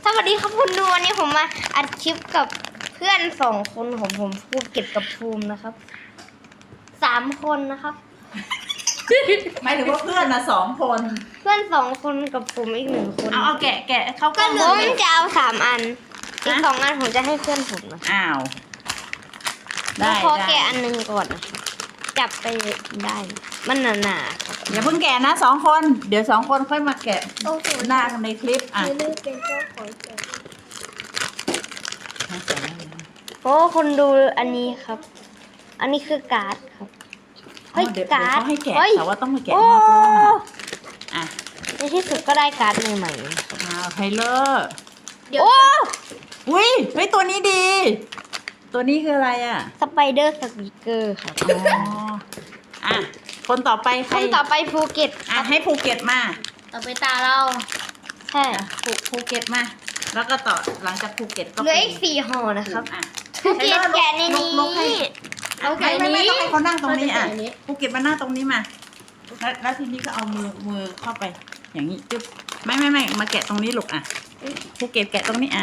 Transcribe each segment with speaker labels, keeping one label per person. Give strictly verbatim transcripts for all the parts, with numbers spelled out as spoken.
Speaker 1: วัสดีครับคุณดูวันนี้ผมมาอัดคลิปกับเพื่อนสองคนของผมภูเก็ตกับภูมินะครับสามคนนะครับ
Speaker 2: หมายถึงว่าเพื่อนนะสองคน
Speaker 1: เพื่อนสองคนกับผมอีกหนึ่งคน
Speaker 2: เอาเอาแกะแกะเขาก็
Speaker 1: ผ
Speaker 2: เลือก
Speaker 1: มจะเอาสามอันอีกสองอันผมจะให้เพื่อนผมนะ
Speaker 2: อ้าว
Speaker 1: แล้
Speaker 2: ได้
Speaker 1: วขอ
Speaker 2: ได้
Speaker 1: แกะอันหนึงก่อนนะครับจับไปได้มันหนาๆครับ
Speaker 2: อย่าเพิ่งแกะนะสองคน เดี๋ยวสองคนค่อยมาแกะ
Speaker 1: โอ้โห
Speaker 2: หน้าในคลิปอ่ะ
Speaker 1: ไม่ได้เป็นเจ้าของแกะโอ้คนดูอันนี้ครับ อันนี้คือการ์ดครับ เฮ้ย
Speaker 2: เดี๋ยว
Speaker 1: การ์ด
Speaker 2: เขาให้แกะ
Speaker 1: เฮ้ย
Speaker 2: แต่ว่าต้องมาแกะ
Speaker 1: โอ้
Speaker 2: หน้าตัวอ่ะ
Speaker 1: ในที่สุดก็ได้การ์ดใหม่ๆ
Speaker 2: อ้าวไทเลอร์
Speaker 1: โอ้
Speaker 2: อุ้ยเฮ้ยตัวนี้ดี ตัวนี้คืออะไรอ่ะ
Speaker 1: สไปเดอร์สปีกเกอร์ครับ
Speaker 2: อ๋ออ่ะคนต่อไปใค
Speaker 1: ค
Speaker 2: ร
Speaker 1: นต่อไปภูเก็ต
Speaker 2: อ่ะให้ภูเก็ตมา
Speaker 1: ต่อไปตาเราใช่
Speaker 2: อ่ะภูภูเก็ตมา แล้วก็ต่อหลังจากภูเก็ตก็
Speaker 1: เหลืออีกสี่ห่อนะครับ
Speaker 2: อ่ะ
Speaker 1: ภูเก็ตแกะในนี้
Speaker 2: ลุกๆให้
Speaker 1: เอาแกะ
Speaker 2: ไม่ไม่
Speaker 1: นี้
Speaker 2: ไม่ต้องให้เขานั่งตรงนี้อ่ะ
Speaker 1: เขาจะแกะนี้
Speaker 2: ภูเก็ตมานั่งตรงนี้มาแล้วแล้วทีนี้ก็เอามือมือเข้าไป อย่างนี้จึ๊บไม่ไม่ไม่มาแกะตรงนี้ลูกอ่ะภูเก็ตแกะตรงนี้อ่า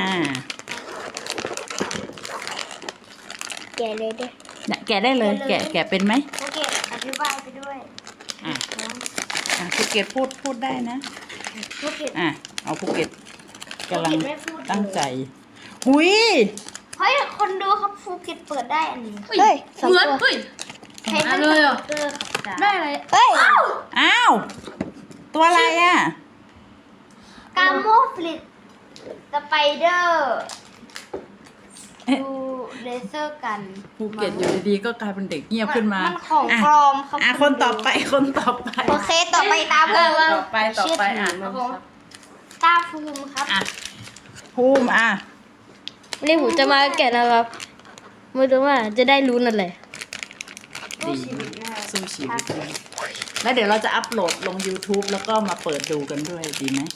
Speaker 1: แกะเลยเด้อ
Speaker 2: เนี่ยแกะได้เลย แกะแกะเป็นไหม
Speaker 1: ภูเก็ตอธิบายไปด้วย
Speaker 2: อ่ะอ่ะภูเก็ตพูดพูดได้นะ
Speaker 1: ภูเก็ต
Speaker 2: อ่ะเอาภูเก็ตกำลัง
Speaker 1: ภูเก็ตไม่พูดเลย
Speaker 2: ตั้งใจหุย
Speaker 1: เฮ้ยคนดูครับภูเก็ตเปิดได้อันนี้
Speaker 3: เฮ้ย
Speaker 1: สอง
Speaker 3: เหมือน
Speaker 1: ตัว
Speaker 3: เฮ้ย
Speaker 1: ใช้
Speaker 3: อั
Speaker 1: เป็น
Speaker 3: นเลยเหรอ
Speaker 1: สปีกเกอร์ครับ
Speaker 3: ได้อะไร
Speaker 1: เฮ้ย
Speaker 2: อ้าวตัวอะไรอ่ะ
Speaker 1: กาโมฟลิตสไปเดอร์ดูเลเซอร์กัน
Speaker 2: ภูเก็ตอยู่ดีๆก็กลายเป็นเด็กเงียบขึ้นมา
Speaker 1: มันของ
Speaker 2: อ่ะ
Speaker 1: ปลอมครับ
Speaker 2: อ่ะคนต่อไปคนต่อไป
Speaker 1: โอเคต่อไปตาภูมิ
Speaker 2: ต่อไปต่อไปอ่ะ
Speaker 1: เชื่ถืมันครับตาภูมิครับ
Speaker 2: อ่ะภูมิอ่ะ
Speaker 3: นี่ผมจะมาแกะนะครับไม่รู้ว่าจะได้รู้นั่นแหละ
Speaker 1: สู้ชีวิตนะ
Speaker 2: สู้ชีวิตด้วยแล้วเดี๋ยวเราจะอัพโหลดลง YouTube แล้วก็มาเปิดดูกันด้วยดีไหม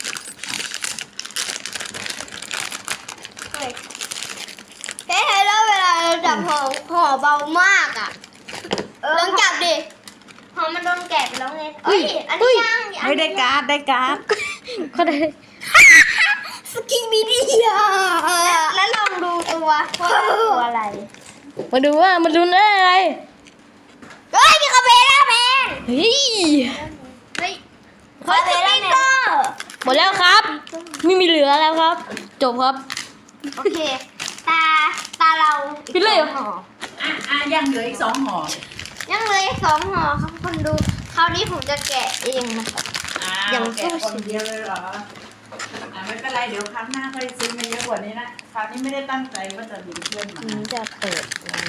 Speaker 1: เฮ้ยเฮ้ยแล้วเวลาเราจับห่อห่อเบามากอ่ะลองจับดิห่อมันโดนแกะไปแล้วไงเฮ้ยอันนี้ยังอัน
Speaker 2: ไม่
Speaker 1: นี้
Speaker 2: ได้การ์ดได้การ์ด
Speaker 3: ก็ได้
Speaker 1: สกิบิดี้อ่ะแล้วลองดูตัวว่าตัวอะไร
Speaker 3: มาดูว่ามันรู้ได้อะไร
Speaker 1: เฮ้ยมีคาเฟ่ล่าแมน
Speaker 3: เฮ้ย
Speaker 1: เฮ้ยคาเฟ่ล่าแมน
Speaker 3: หมดแล้วครับ ไม่มีเหลือแล้วครับ จบครับ
Speaker 1: โอเค ตา ตาเรา
Speaker 3: ปิดเลยเหรอ
Speaker 1: ห่อ
Speaker 2: อ่ะอ่ะยังเหลืออีกสองห่อ
Speaker 1: ยังเหลยสองห่อครับคนดู คราวนี้ผมจะแกะเองนะครับ
Speaker 2: อ่ะ
Speaker 1: ยัง
Speaker 2: แกะคนเดียวเลยเหรออ่ะไม่เป็นไรเดี๋ยวครั้งหน้าค่อยซื้อมาเยอะกว่านี้นะคราวนี้ไม่ได้ตั้งใจว่าจะมีเพื่อนมา
Speaker 1: ผมจะเปิด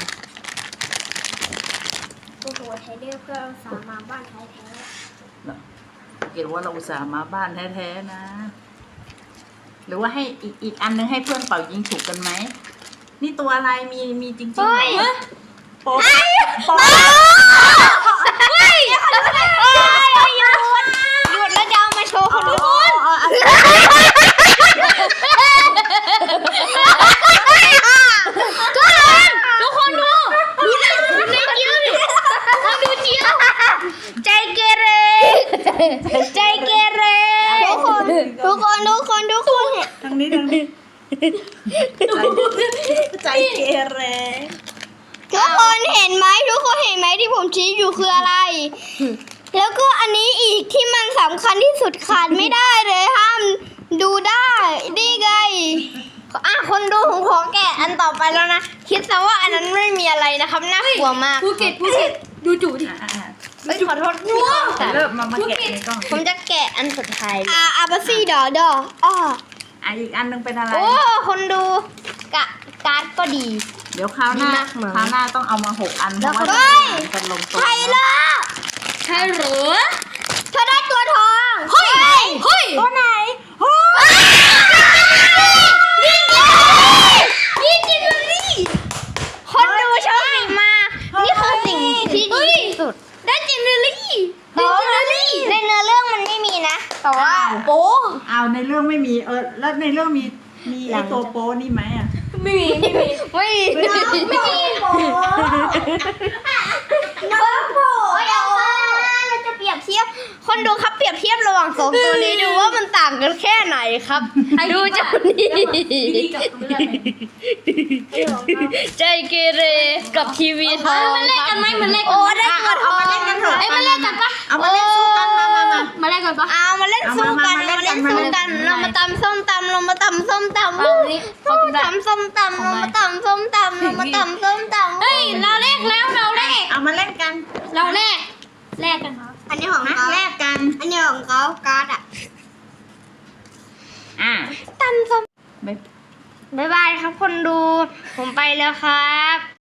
Speaker 1: ตัวหัวไทเดอร์เพื่อเอาสามาบ้านไทยแท้
Speaker 2: เห็นว่าเราอุตส่าห์มาบ้านแท้ๆนะ หรือว่าให้อีกอีกอันนึงให้เพื่อนเป่ายิงฉุกกันไหมนี่ตัวอะไรมีมีจริงๆเหรอโป๊ะโป๊ะ
Speaker 1: เฮ้ยหยุดหยุดหยุดแล้วจะเอามาโชว์คนดู
Speaker 2: อ๋ออ๋ออ๋อ
Speaker 3: ทุกคนดูดูในดูในเจียวดิทำดูเจียว
Speaker 1: ใจเกเร ใจเกเร ทุกคน ทุกคน ทุกคน ทุกคน
Speaker 2: ทางนี้ทางนี้ใจเกเร
Speaker 1: ทุกคนเห็นไหมทุกคนเห็นไหมที่ผมชี้อยู่คืออะไร แล้วก็อันนี้อีกที่มันสำคัญที่สุดขาดไม่ได้เลยห้ามดูได้นี่ไงอ่ะคนดูผมขอแกะอันต่อไปแล้วนะ คิดซะว่าอันนั้นไม่มีอะไรนะครับน่ากลัวมาก
Speaker 3: ภูเก็ตภูเก็ตดูจุดิ
Speaker 2: อ่ะอ่ะอ่ะ
Speaker 1: เอ้ยขอโทษพี่ครับ
Speaker 2: เริ่มมามาแกะในกล้อง
Speaker 1: ผมจะแกะอันสุดท้ายอ่าอาบาซี่ดอดออ้อ
Speaker 2: อ่ะอีกอันนึงเป็นอะไร
Speaker 1: โอ้คนดูกะการ์ดก็ดี
Speaker 2: เดี๋ยวคราวหน้า
Speaker 1: ดีมากเหมือน
Speaker 2: คราวหน้าต้องเอามาหกอันเพ
Speaker 1: แล้ว
Speaker 2: ราะ
Speaker 1: ก็
Speaker 2: ว่า
Speaker 1: เฮ้ย
Speaker 2: จะกันลงตัว
Speaker 1: ใช่เลย
Speaker 3: ใช่เหรอ
Speaker 1: เธอได้ตัวทอง
Speaker 3: เฮ้ยเฮ้ย
Speaker 2: ตัวไหนโอ้
Speaker 1: นี่จริงเลยคนดูโชคดีมากนี่คือสิ่งที่ดีที่สุด
Speaker 3: ได้เจนเนอรี่
Speaker 1: แต่ว่าในเนื้อเรื่องมันไม่มีนะ แต่ว่า
Speaker 3: โป๊
Speaker 2: เอาในเรื่องไม่มีเออแล้วในเรื่องมีมีไอตัวโป้นี่ไหมอ่ะ
Speaker 3: ไม่มีไม่มี
Speaker 1: ไม่มีไม่มีโผล่น้องโผล่เอามาเราจะเปรียบเทียบคนดูครับเปรียบเทียบระหว่างสองตัวนี้ดูว่ามันต่างกันแค่ไหนครับดูเจ้านี่
Speaker 2: ดีกับเพื่อน
Speaker 3: ใจเกเรกับทีวีทองมันเล่นกันไหมมันเล่น
Speaker 1: โอ้ได้เงินท
Speaker 2: เอา
Speaker 1: อง
Speaker 2: มาเล่นกันเถอะ
Speaker 3: เอ้ยมาเล่นกันปะ
Speaker 2: เอามาเล่นสู้กันมามามา
Speaker 3: มาเล่นกันปะ
Speaker 1: เอามาเล่นสู้กัน
Speaker 2: เอามา
Speaker 1: เรามาเล่น
Speaker 2: มา
Speaker 1: สู้
Speaker 2: เล่นกั
Speaker 1: กัน
Speaker 2: น
Speaker 1: เรามาตำส้มตำเรามาตำส้มตำ
Speaker 3: เอาอันนี้เขากินได้
Speaker 1: ตำส้มตำเรามาตำส้มตำเรามาตำส้มตำ
Speaker 3: เฮ้ยเราแลกแล้วเราแลก
Speaker 2: เอามาเล่นกัน
Speaker 3: เราแลกแลกกันครับ
Speaker 1: อันนี้ของ
Speaker 2: นะ
Speaker 1: เขา
Speaker 2: แลกกัน
Speaker 1: อันนี้ของเขาการ์ดอะ
Speaker 2: อ่า
Speaker 1: ตำส้ม
Speaker 2: ไม่
Speaker 1: บ๊ายบายครับคนดู ผมไปแล้วครับ